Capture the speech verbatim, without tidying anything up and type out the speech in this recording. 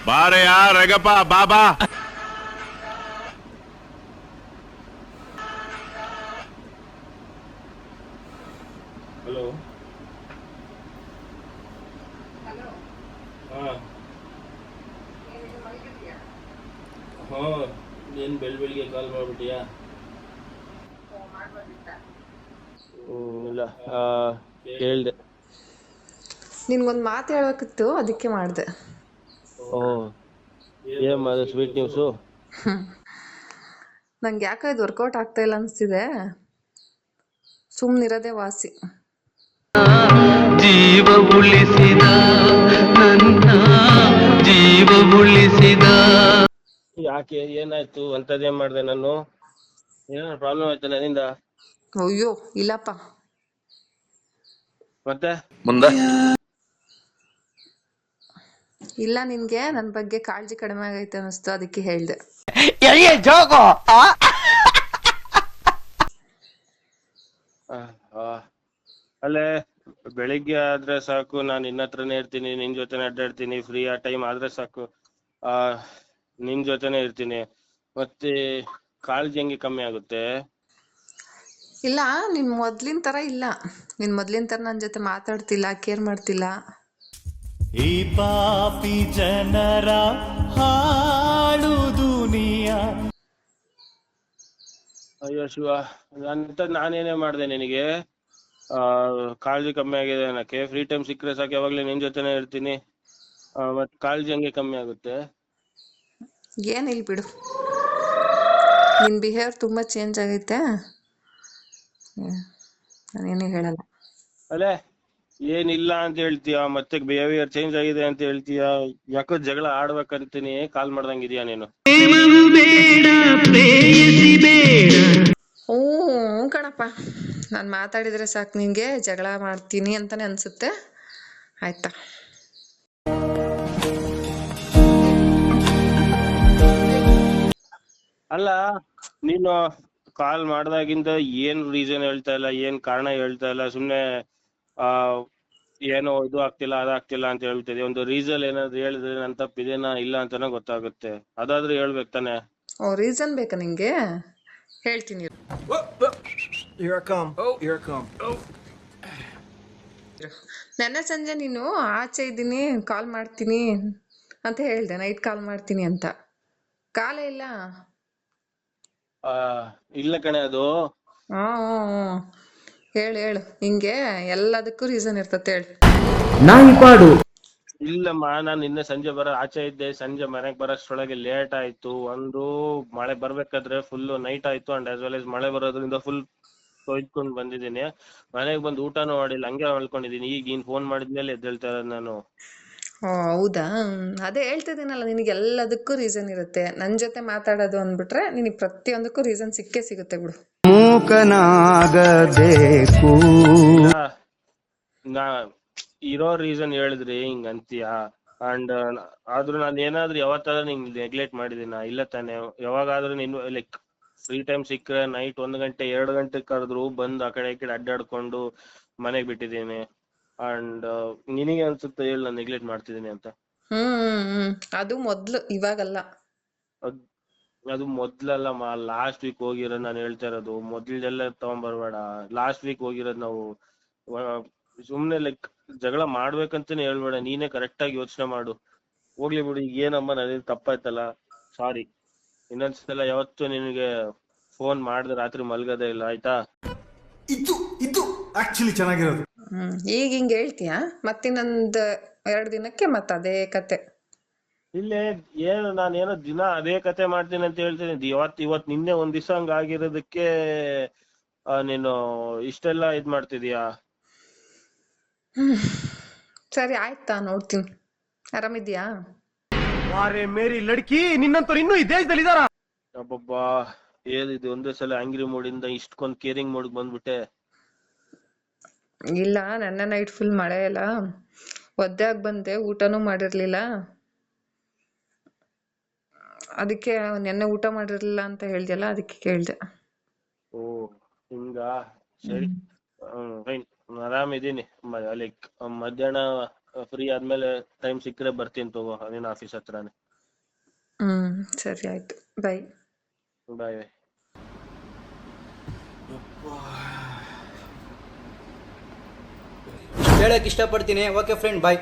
ಬಾರಯ್ಯ ರಗಪ್ಪ ಬಾಬಾ. ಹಲೋ. ಹಾ ಹಾ ನೀನ್ ಬೆಳ್ ಬೆಳಿಗ್ಗೆ ಕಾಲ್ ಮಾಡ್ಬಿಟ್ಟಿಯಾ? ಹ್ಮ್ ಇಲ್ಲ ಕೇಳ್ದೆ. ನಿನ್ಗೊಂದ್ ಮಾತು ಹೇಳ್ಬೇಕಿತ್ತು, ಅದಕ್ಕೆ ಮಾಡ್ದೆ. ಓ ಏನ್ ಅದು ಸ್ವೀಟ್ ನ್ಯೂಸು? ನಂಗೆ ಯಾಕೋ ಇದು ವರ್ಕೌಟ್ ಆಗ್ತಾ ಇಲ್ಲ ಅನ್ಸ್ತಿದೆ, ಸುಮ್ನಿರೋದೇ ವಾಸಿ. ಜೀವ ಉಳಿಸಿದ ನನ್ನ ಜೀವ ಉಳಿಸಿದ. ಯಾಕೆ ಏನಾಯ್ತು? ಅಂತದೇನ್ ಮಾಡ್ದೆ ನಾನು? ಏನಾದ್ರು ಪ್ರಾಬ್ಲಮ್ ಆಯ್ತಾ ನನ್ನಿಂದ? ಅಯ್ಯೋ ಇಲ್ಲಪ್ಪ. ಮತ್ತೆ ಮುಂದೆ ಇಲ್ಲ, ನಿನ್ಗೆ ನನ್ ಬಗ್ಗೆ ಕಾಳಜಿ ಕಡಿಮೆ ಆಗೈತೆ ಅನಿಸ್ತು, ಅದಕ್ಕೆ ಹೇಳ್ದೆ. ಅಲ್ಲೇ ಬೆಳಿಗ್ಗೆ ಆದ್ರೆ ಸಾಕು, ನಾನು ನಿನ್ನ ಹತ್ರನೇ ಇರ್ತೀನಿ, ನಿನ್ ಜೊತೆನೆ ಅಡ್ಡಾಡ್ತೀನಿ, ಫ್ರೀ ಆ ಟೈಮ್ ಆದ್ರೆ ಸಾಕು ಆ ನಿನ್ ಜೊತೆನೆ ಇರ್ತೀನಿ. ಮತ್ತೆ ಕಾಳಜಿ ಹೆಂಗೆ ಕಮ್ಮಿ ಆಗುತ್ತೆ? ಇಲ್ಲ, ನಿನ್ ಮೊದ್ಲಿನ ತರ ಇಲ್ಲ. ನಿನ್ ಮೊದ್ಲಿನ ತರ ನನ್ ಜೊತೆ ಮಾತಾಡ್ತಿಲ್ಲ, ಕೇರ್ ಮಾಡ್ತಿಲ್ಲ. ಈ ಪಾಪಿ ಜನರ ಹಾಳು ದುನಿಯಾ. ಅಯ್ಯೋ ಶಿವ, ಅಂತ ನಾನೇನೇ ಮಾಡ್ದೆ ನಿನಗೆ? ಆ ಕಾಳಜಿ ಕಮ್ಮಿ ಆಗಿದೆ ಅನ್ನಕ್ಕೆ? ಫ್ರೀ ಟೈಮ್ ಸಿಕ್ಕರೆ ಸಾಕು, ಯಾವಾಗ್ಲೂ ನಿನ್ ಜೊತೆನೆ ಇರ್ತೀನಿ. ಮತ್ ಕಾಳಜಿ ಹಂಗೆ ಕಮ್ಮಿ ಆಗುತ್ತೆ? ಏನಿಲ್ ಬಿಡು, ನಿನ್ ಬಿಹೇವಿಯರ್ ತುಂಬಾ ಚೇಂಜ್ ಆಗೈತೆ. ನಾನೇನು ಹೇಳಲ್ಲ. ಅಲ್ಲೇ ಏನಿಲ್ಲ ಅಂತ ಹೇಳ್ತೀಯ, ಮತ್ತೆ ಬಿಹೇವಿಯರ್ ಚೇಂಜ್ ಆಗಿದೆ ಅಂತ ಹೇಳ್ತೀಯ. ಯಾಕೋ ಜಗಳ ಆಡ್ಬೇಕಂತೀನಿ ಕಾಲ್ ಮಾಡ್ದಂಗಿದ್ಯಾ ನೀನು? ಹ್ಞೂ ಕಣಪ್ಪ, ನಾನು ಮಾತಾಡಿದ್ರೆ ಸಾಕು ನಿಂಗೆ ಜಗಳ ಮಾಡ್ತೀನಿ ಅಂತಾನೆ ಅನ್ಸುತ್ತೆ. ಆಯ್ತಾ? ಅಲ್ಲ, ನೀನು ಕಾಲ್ ಮಾಡ್ದಾಗಿಂದ ಏನ್ ರೀಸನ್ ಹೇಳ್ತಾ ಇಲ್ಲ, ಏನ್ ಕಾರಣ ಹೇಳ್ತಾ ಇಲ್ಲ, ಸುಮ್ನೆ ಆ ಏನೋ ಇದು ಆಗ್ತಿಲ್ಲ ಅದಾಗ್ತಿಲ್ಲ ಅಂತ ಹೇಳ್ತಿದೆ. ಒಂದು ರೀಸನ್ ಏನಾದ್ರು ಹೇಳಿದ್ರೆ ನನ್ ತಪ್ಪಿದೇನಾ ಇಲ್ಲ ಅಂತಾನೆ ಗೊತ್ತಾಗುತ್ತೆ. ಅದಾದ್ರೂ ಹೇಳ್ಬೇಕು ತಾನೆ. ಓ, ರೀಸನ್ ಬೇಕಾ ನಿಂಗೆ? ಹೇಳ್ತೀನಿ. ನೆನ್ನೆ ಸಂಜೆ ನೀನು ಆಚೆ ಇದ್ದೀನಿ, ಕಾಲ್ ಮಾಡ್ತೀನಿ ಅಂತ ಹೇಳ್ದೆ, ನೈಟ್ ಕಾಲ್ ಮಾಡ್ತೀನಿ ಅಂತ. ಕಾಲೇ ಇಲ್ಲ. ಆ ಇಲ್ಲ ಕಣೆ, ಅದು ಹಾ ಹೇಳು ಹೇಳು, ಹಿಂಗೆ ಎಲ್ಲದಕ್ಕೂ ರೀಸನ್ ಇರ್ತತೆ, ಹೇಳು. ಇಲ್ಲಮ್ಮ, ನಾನು ನಿನ್ನೆ ಸಂಜೆ ಬರೋ ಆಚೆ ಇದ್ದೆ. ಸಂಜೆ ಮನೆಗ್ ಬರೋಷ್ಟ್ರೊಳಗೆ ಲೇಟ್ ಆಯ್ತು. ಒಂದು ಮಳೆ ಬರ್ಬೇಕಾದ್ರೆ ಫುಲ್ ನೈಟ್ ಆಯ್ತು, ಅಂಡ್ ಆಸ್ ವೆಲ್ ಆಸ್ ಮಳೆ ಬರೋದ್ರಿಂದ ಫುಲ್ ತೊಯ್ದ್ಕೊಂಡ್ ಬಂದಿದ್ದೀನಿ. ಮನೆಗ್ ಬಂದು ಊಟನೂ ಮಾಡಿಲ್ಲ, ಹಂಗೆ ಮಲ್ಕೊಂಡಿದ್ದೀನಿ. ಈಗ ನೀನ್ ಫೋನ್ ಮಾಡಿದ್ಮೇಲೆ ಎದ್ದೇಳ್ತಾ ಇರೋದು ನಾನು. ಓ ಹೌದಾ? ಅದೇ ಹೇಳ್ತಿದ್ದೀನಲ್ಲ, ನಿನಗೆ ಎಲ್ಲದಕ್ಕೂ ರೀಸನ್ ಇರುತ್ತೆ. ನನ್ನ ಜೊತೆ ಮಾತಾಡೋದು ಅಂದ್ಬಿಟ್ರೆ ನಿನಗೆ ಪ್ರತಿಯೊಂದಕ್ಕೂ ರೀಸನ್ ಸಿಕ್ಕೇ ಸಿಗುತ್ತೆ ಬಿಡು. ಮೂಕನಾಗಬೇಕು. ನಾ ಇರೋ ರೀಸನ್ ಹೇಳಿದ್ರಿ ಹಿಂಗ್ ಅಂತೀಯ? ಅಂಡ್ ಆದ್ರೂ ನಾನು ಏನಾದ್ರು ಯಾವತ್ತಾದ್ರೂ ನಿಂಗ್ ನೆಗ್ಲೆಕ್ಟ್ ಮಾಡಿದೀನ? ಇಲ್ಲ ತಾನೆ. ಯಾವಾಗಾದ್ರೂ ನೀನು ಲೈಕ್ ಫ್ರೀ ಟೈಮ್ ಸಿಕ್ಕರೆ ನೈಟ್ ಒಂದ್ ಗಂಟೆ ಎರಡು ಗಂಟೆ ಕರೆದ್ರು ಬಂದ್ ಆ ಕಡೆ ಈ ಕಡೆ ಅಡ್ಡಾಡ್ಕೊಂಡು ಮನೆಗ್ ಬಿಟ್ಟಿದ್ದೀನಿ. ಅಂಡ್ ನಿನಗೆ ಅನ್ಸುತ್ತೆ ಹೇಳಿ ನಾನು ನೆಗ್ಲೆಕ್ಟ್ ಮಾಡ್ತಿದ್ದೀನಿ ಅಂತ? ಹ್ಮ್ ಹ್ಮ್ ಅದು ಮೊದ್ಲು, ಇವಾಗಲ್ಲ. ಅದ್ ಅದು ಮೊದ್ಲಲ್ಲಮ್ಮ, ಲಾಸ್ಟ್ ವೀಕ್ ಹೋಗಿರೋದು ನಾನು ಹೇಳ್ತಾ ಇರೋದು. ಮೊದ್ಲೆಲ್ಲ ತಗೊಂಡ್ಬರ್ಬೇಡ. ಲಾಸ್ಟ್ ವೀಕ್ ಹೋಗಿರೋದು ನಾವು. ಸುಮ್ನೆ ಲೈಕ್ ಜಗಳ ಮಾಡ್ಬೇಕಂತಾನೆ ಹೇಳ್ಬೇಡ, ನೀನೇ ಕರೆಕ್ಟ್ ಆಗಿ ಯೋಚನೆ ಮಾಡು. ಹೋಗ್ಲಿ ಬಿಡು, ಈಗ ಏನಮ್ಮ ನನಗೆ ತಪ್ಪಾಯ್ತಲ್ಲ, ಸಾರಿ. ಇನ್ನೊಂದ್ಸಲ ಯಾವತ್ತು ನಿನಗೆ ಫೋನ್ ಮಾಡಿದ್ರೆ ರಾತ್ರಿ ಮಲ್ಗದೇ ಇಲ್ಲ, ಆಯ್ತಾ? ಇದು ಇದು ಆಕ್ಚುಲಿ ಚೆನ್ನಾಗಿರೋದು. ಹ್ಮ್ ಈಗ ಹಿಂಗ್ ಹೇಳ್ತೀಯಾ? ಮತ್ತಿನ್ನೊಂದ್ ಎರಡ್ ದಿನಕ್ಕೆ ಮತ್ತ ಅದೇ ಕತೆ. ಇಲ್ಲೇ ಏನು ನಾನೇನೋ ದಿನ ಅದೇ ಕತೆ ಮಾಡ್ತೀನಿ ಅಂತ ಹೇಳ್ತೀನಿ. ಇವತ್ ಇವತ್ ನಿನ್ನೆ ಒಂದ್ ದಿವಸ ಹಂಗ ಆಗಿರೋದಕ್ಕೆ ನೀನು ಇಷ್ಟೆಲ್ಲ ಇದ್ ಮಾಡ್ತಿದೀಯಾ? ಹ್ಮ್ ಸರಿ ಆಯ್ತಾ, ನೋಡ್ತೀನಿ. ಆರಾಮಿದ್ಯಾ? ಮೇರಿ ಲಡ್ಕಿ, ನಿನ್ನಂತವ್ರು ಇನ್ನೂ ಈ ದೇಶದಲ್ಲಿ ಇದಾರ? ಅಬ್ಬಬ್ಬಾ, ಏನಿದು ಒಂದೇ ಸಲ ಆಂಗ್ರಿ ಮೂಡಿಂದ ಇಷ್ಟೊಂದ್ ಕೇರಿಂಗ್ ಮೂಡ್ ಬಂದ್ಬಿಟ್ಟೆ. ಇಲ್ಲ, ನೆನ್ನೆ ನೈಟ್ ಫುಲ್ ಮಳೆ ಎಲ್ಲ ಒದ್ದೆ ಆಗಿ ಬಂದೆ, ಊಟನೂ ಮಾಡಿರ್ಲಿಲ್ಲ. ಅದಕ್ಕೆ ನೆನ್ನೆ ಊಟ ಮಾಡಿರ್ಲಿಲ್ಲ ಅಂತ ಹೇಳ್ದಲ್ಲ, ಅದಕ್ಕೆ ಕೇಳ್ದೆ. ಓ ಹಿಂಗಾ? ಸರಿ, ಹ್ಮ್ ಫೈನ್, ಆರಾಮಿದ್ದೀನಿ. ಲೈಕ್ ಮಧ್ಯಾಹ್ನ ಫ್ರೀ ಆದ್ಮೇಲೆ ಟೈಮ್ ಸಿಕ್ಕರೆ ಬರ್ತೀನಿ ತಗೋ ನಿನ್ನ ಆಫೀಸ್ ಹತ್ರನೇ. ಹ್ಮ್ ಸರಿ ಆಯ್ತು, ಬೈ. Bye bye. ಹೇಳಕ್ ಇಷ್ಟಪಡ್ತೀನಿ. ಓಕೆ ಫ್ರೆಂಡ್, ಬಾಯ್.